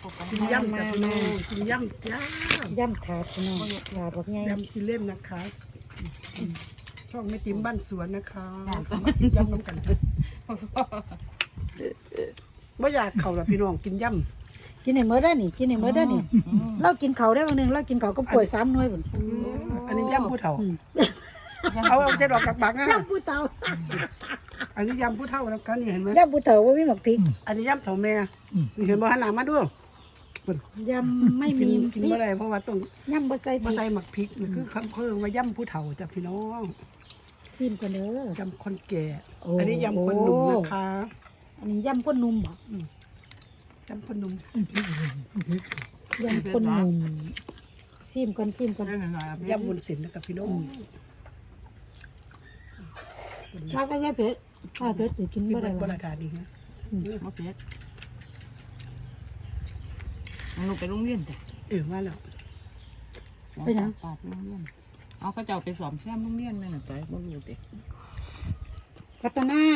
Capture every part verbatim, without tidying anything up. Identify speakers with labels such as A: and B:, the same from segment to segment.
A: กินย่ำกับพี่น้องกินย่ำจ้า
B: ย่ำถาดพี่น้องถาดแบบไง
A: ย่ำกินเล่นนะคะช่องแม่ติ๋มบ้านสวนนะคะมากินย่ำน้ำกันไม่อยากเข่าหรอกพี่น้องกินย่ำ
B: กินในเมื่อได้นี่กินในเมื่อได้นี่เรากินเขาได้วันหนึ่งเรากินเขาก็ป่วยซ้ำน้อยบุญ
A: อันนี้ย่ำผู้เฒ่าเอาเอาจะดอกกับบักนะ
B: ย่ำผู้เฒ่า
A: อันนี้ย่ำผู้เฒ่าแล้วกันนี่เห็นไหม
B: ย่ำผู้เฒ่าว่าไม่หมักพริก
A: อันนี้ย่ำเฒ่าแม่นี่เห็นบ่หันหน้ามาดู
B: ย่ำไม่มี
A: กินเมื่อไรเพราะว่าต้อง
B: ย่ำบะไซ
A: บะไซหมักพริกนี่คือคำเพิ่มว่าย่ำผู้เฒ่าจ้ะพี่น้อง
B: ซิมกันเด้
A: อยำคนแก่อันนี้ยำคนหนุ่มนะคะ
B: อันนี้ย่ำคนหนุ่มบ่
A: ยำคนหนุ่ม
B: ย่ำคนหนุ่มซิมกันซิมกัน
A: ยำบุญศิลป์นะครับพี่น้อง
B: ถ้าก็ย่าเผ็ดถ้าเผ็ดหรือกินบ่ได้
A: บรรยากาศดีนะ
C: มะเผ็ดลงไปโรงเรียนจ้ะ
A: เออว่าแล้ว
B: ไปยัง
C: ปาดโรงเรียนเอาก็จะเอาไปสอมแซมโรงเรียนนั่นน่ะจ้ะบ่รู้ติ
B: พัฒนา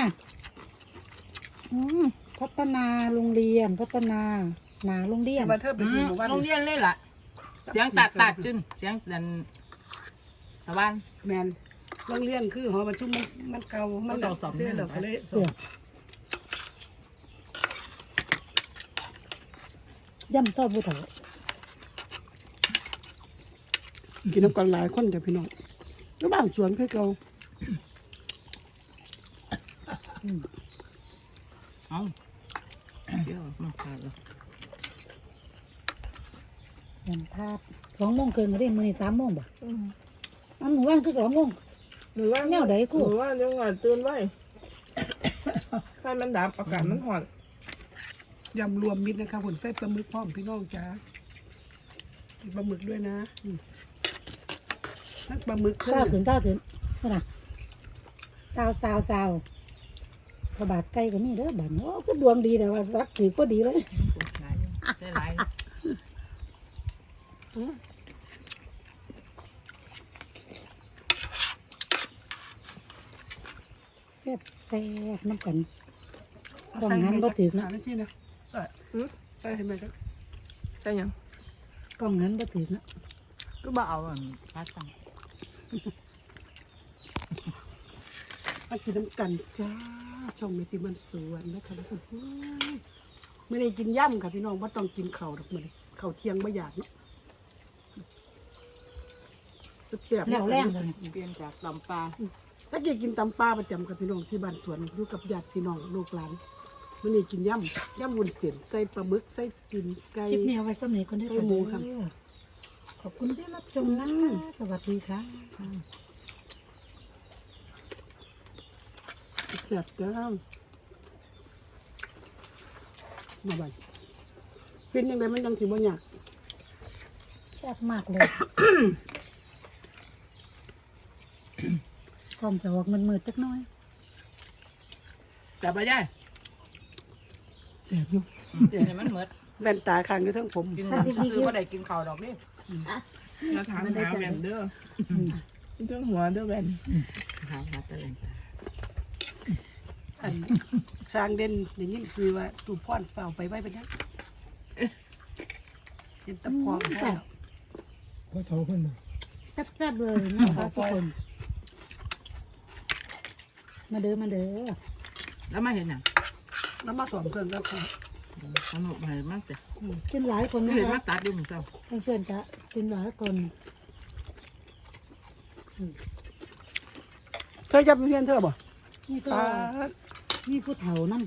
B: พัฒนาโรงเรียนพัฒนาหนาโรงเรียน
A: มาเธอไปซื้อมา
C: โรงเรียนเลยล่ะเสียงตัดตัดขึ้นเสียงดันสวรรค์
A: แมนโรงเรียนคือหอประชุมมันมันเก่ามันเก่าสองเสื้อเราก็เลยสอง
B: ย่ำทอดผู้เฒ่า
A: กินน้ำกันหลายคนจ้ะพี่น้องแล้วบ้านสวนคือเก่า
C: เอาเดี๋ยวมาขาดแล้ว
B: ย่ำทาดสองโมงเกินมาได้มื้อนี้สามโมงบ่อันหนูว่างคือสองโมง
D: หรือว่า
B: แนวใดกู
D: หรือว่ายังหวานตื่นไว้ไฟมันดับอากาศมันหอน
A: ยำรวมมิตรนะคะผลไส้ปลาหมึกพร้อมพี่น้องจ้าปลาหมึกด้วยนะนักปลาหมึก
B: เศร้าถึงเศร้าถึงนี่นะเศร้าเศร้าเศร้าพระบาทไก่ก็มีเด้อบ้านโอ้ก็ดวงดีแต่ว่าสักถือก็ดีเลย
C: ได้หลาย
B: แซ่บแซ่บน้ำกันกล่องนั้นก็ถือนะ
A: ใช่นะใช่ไหมครับ
D: ใช่ยัง
B: กล่องนั้นก็ถือนะ
C: ก็บ่เอาอันปลาตัง
A: มากินน้ำกันจ้าช่องเมติมันสวนนะคะทุกคนไม่ได้กินย่ำค่ะพี่น้องว่าต้องกินเข่าดอกมันเข่าเที่ยงไม่อยากเนาะเสียบ
B: แล้วแรงเลย
C: เปลี่ยนจากตำปลา
A: ถ้าเกิดกินตำปลาประจำกับพี่น้องที่บ้านสวนอยู่กับญาติพี่น้องลูกหลานมันนี่กินย่ำย่ำวุ้นเส้นใส่ปลาหมึกใส่กินไก่
B: คลิปนี้เอาไว้สำเร็จคนได้ไปหมูครับขอบคุณที่รับชมนะคะสวัสดีค่ะ
A: เสียบจ้ามาบ้านเป็นยังไงมันยังสิบ่อยาก
B: แซ่บมากเลยกล่องจะออกเงินมืดสักน้อย
C: จับไปได้
A: เสียบอยู่
C: เดี๋ยวมันเหมือน
A: แว่นตาข้างอยู่ทั้งผม
C: กินซื้อมาได้กินข้าวดอกนี่
D: เราถามหาแวนเด้อเรื่องหัวเด้อแวน
C: หาหาตะเลน
A: อันสร้างเด่นอย่างนี้ซื้อว่าตูพ่อนเฝ้าไปไว้เป็นยังเห็นตะพองแซ่บ
B: พอเท่าเพิ่นแซ่บๆเลยนะคะทุกคนมาเด้อมาเด้อ
C: แล้วมาเห็นยัง
A: แล้วมาสวมเครื่องแล้วค่ะ
C: สนุกมากมากจ้ะ
B: กินหลายคนนะ
C: เห็นมาตัดดูเหมือนเศร้า
B: เพื่อนๆจะกินหลายคน
A: เธอจะเป็นเพื่อนเธอบ่
B: นี่ก็นี่ผู้เฒ่านั่น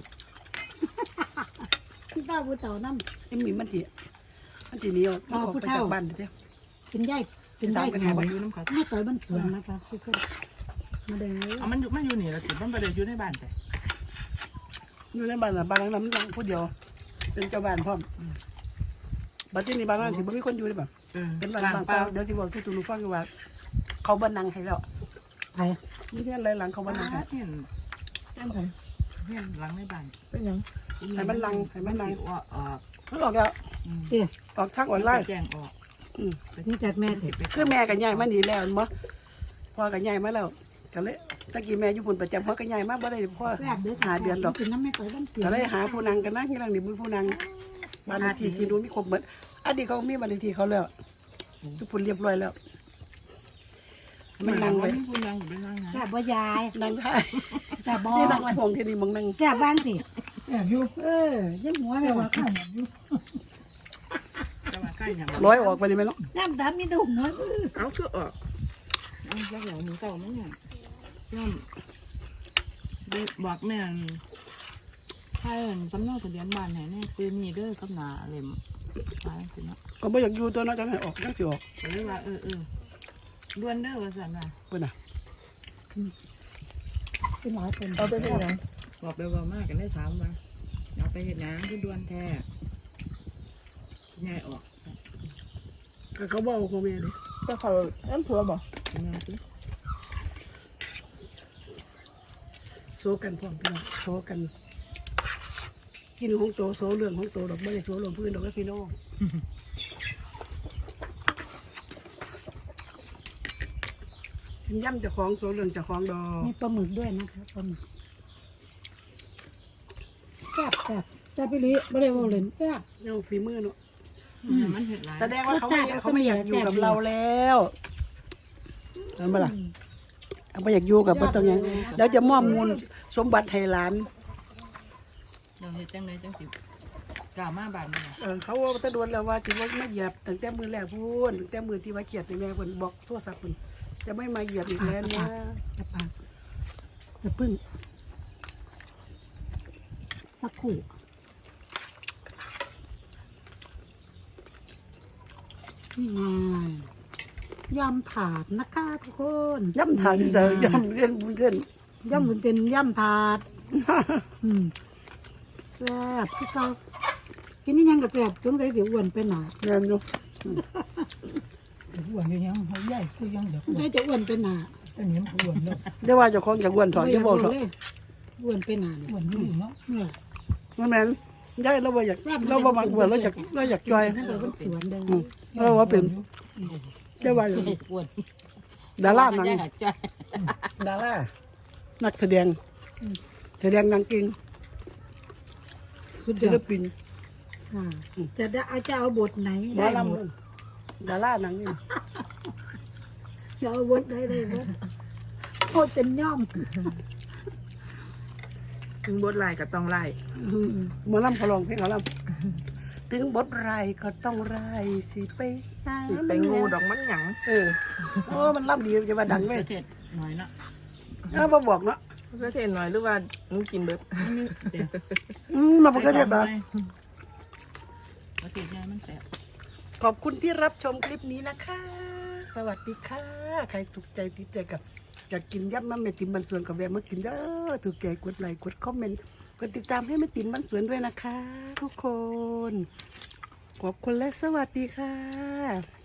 B: ที่ต้าผู้เฒ่านั่น
A: เอ็มมีมันจีมันจีนี้เอาผู้เฒ่าบ้านเดียว
B: เป็นย่ายเป็นย่ายเป็นอะไรอยู่น้ำขาไม่ต่อยบ้านสวนนะคะทุกคนมาเด้อ
C: เอามันอยู่มันอยู่นี่แล้วติดมันไปเดินอยู่ในบ้านไป
A: อยู่ในบ้านอ่ะบ้านหลังนั้นมันยังผู้เดียวเป็นเจ้าบ้านพร้อมบ้านที่นี่บ้านนั้นสิบ่มีคนอยู่ได้ป่ะเป็นบ้านบางเปล่าเดี๋ยวสิบอกที่ตูนูฟังว่าเขาบ้านนังให้แล้ว
B: ใคร
A: นี่เพื่อนอะไรหลังเขาบ้านนังให้
C: เห็นเห็นเห็นหลังในบ้าน
D: เป็นยัง
A: ให้มันลังให้มันลัง
C: ออกออก
A: มันออกแล้วออกทางออนไลน์
C: แจ้งออก
B: นี่จากแม่
A: คือแม่กับยายมาหนีแล้วมั้งพ่อกับยายมาแล้วก็เลยตะกี้แม่อยู่บนประจำพ่อกับยายมาบ่ได้พ่อหาเดือนดอกก็เลยหาผู้นางกันนะที่หลังนี่มือผู้นางบ้านเลขที่ที่นู้นมีครบเหมือนอดีตเขามีบ้านเลขที่เขาแล้วทุกคนเรียบร้อยแล้วมันนั่งไว้
C: คุณนั่งอยู่นั่งนะ
B: แซ่บบ่ยาย
A: นั่งได้
B: แซ่บบ่
A: นี่นั่งไว้ห้องที่นี่มึงนั่ง
B: แซ่บบ้างสิแซ่บอยู่เออยังหัวแม่ว่าข้าวอยู่
C: จะมาใกล้อย่าง
A: ร้อยออกไปเลยไหมเนาะ
B: น้ำดำมีแต่หัวเออ
D: เอาคือออก
C: เอาแล้วเหล่ามือเก่ามั้งเนี่ยย่อมบอกแม่ใช่สำเนาทะเบียนบ้านไหนเนี่ยคือมีเด้อกับหนาเล่มไปสิเนาะ
A: ก็ไม่อยากอยู่ตัวเน้อยจะให้ออกยังสิออก
C: ก็เลยว่าเออเออล้วนเด้อว่าสันว่า
A: เพื่อนน่ะ
B: เป็นหลายคน
D: เอาไปเป็นหยัง
C: บอกไปบอกมากกันได้ถามว่าเอาไปเห็นน้ำคือด่วนแท้ง่ายออก
A: ก็เขาบอกพ่อแม่เลย
D: ก็เขาอันผัวบอก
C: งานสิ
A: โซกันพร้อมพี่น้องโซกัน กินของโตโซเรื่องของโตดอกไม่ได้โซลงพื้นดอกแล้วพี่น้องกินย่ำเจะคล้าของโซเรื่องเจะคล้าของดอก
B: มีปลาหมึกด้วยนะคะปลาหมึกแซ่บแซ่บแซ่บไปเลยไม่ได้ว่าเล่นแซ่บ
A: เนี่ยฝีมือเนาะ
C: มันเห็ดหลาย
A: แสดงว่าเขาไม่เขาไม่อยากอยู่กับเราแล้วเห็นไหมล่ะเขาไม่อยากอยู่กับพ่อตรงนี้แล้วจะมอบมูลสมบัติให้หลาน
C: เราเห็ดจังไรจังสิกล่าวมาบานเนี่ย
A: เออเขาว่าตะดวนแล้วว่าสิว่าไม่เหยียบตั้งแต่มือแรกพูนตั้งแต่มือที่ว่าเขียดในแม่คนบอกโทรศัพท์คนจะไม่มาเหยียบอีกแล้วนะ
B: จะปากจะพึ่งสักครู่นี่ไงยำถาดนะคะทุกคน
A: ย่ำทางเจอย่ำเส้นบุญเส้น
B: ยำบุญเต็นยำถาด อืมแซ่บที่เขากินนี่ยังกับแซ่บจงใส่สิอ้วนไปหนา
A: เงินอยู่
E: อ้วนอยู่ยังเขาใหญ่คือยังเด็ก
B: จงใส่จะอ้วนไปหนา
E: อันนี้มันอ้วนแล้ว
A: เดี๋ยวว่าเจะคล้าของจากอ้วนถอดเดี๋ยวบอกถอด
B: เลยอ้วนไปหนาเนี่ย
E: อ้วนอยู่เนาะ
B: เนี่ย
A: มันแม่นย้ายเราบ่อยากเราบ่มักอ้วนเราอยากเราอยากจอย
B: นั่นเลยเป็นสวนเดิม
A: อืมเราว่าเป็นเดี๋ยวว่าอยู่
C: อ้วน
A: ดาราหนัง
C: จ้ะ
A: ดารานักแสดงแสดงหนางเก่ง
B: สุดย
A: ศิ
B: อ
A: ล
B: ด
A: ปิน
B: อ่าจะได้เอาจะเอาบทไหน
A: หมอ
B: ได้
A: ล
B: หมด
A: ำดาราหนังนี่
B: จะเอาบทไหนได้บทโคตรเป็นย่อม
D: ถึงบทลายก็ต้องไล่
A: หมอลำเขาลองเพลงเขาลำถึงบทไรก็ต้องไรสิไปหา
D: สิไปงูดอกมันหยัง
A: เออโอ้มันลำดีจะมาดังไหม
C: เผ็ดหน่อยเนาะ
A: เออมาบอกเนาะ
D: ก็เทนหน่อยหรือว่าหนูกินเบิด
C: เดี๋ยว
A: อืมมาบอกกันเด็ดนะ
C: เอาเผ็ดยายมันแสบ
A: ขอบคุณที่รับชมคลิปนี้นะคะ สวัสดีค่ะ ใครถูกใจติดใจกับอยากกินยับมันแม่ติ๋มบันสวนกับแวะมากินเด้อถูกใจกดไลค์กดคอมเมนต์กดติดตามให้แม่ติ๋มบันสวนด้วยนะคะ ทุกคน ขอบคุณและสวัสดีค่ะ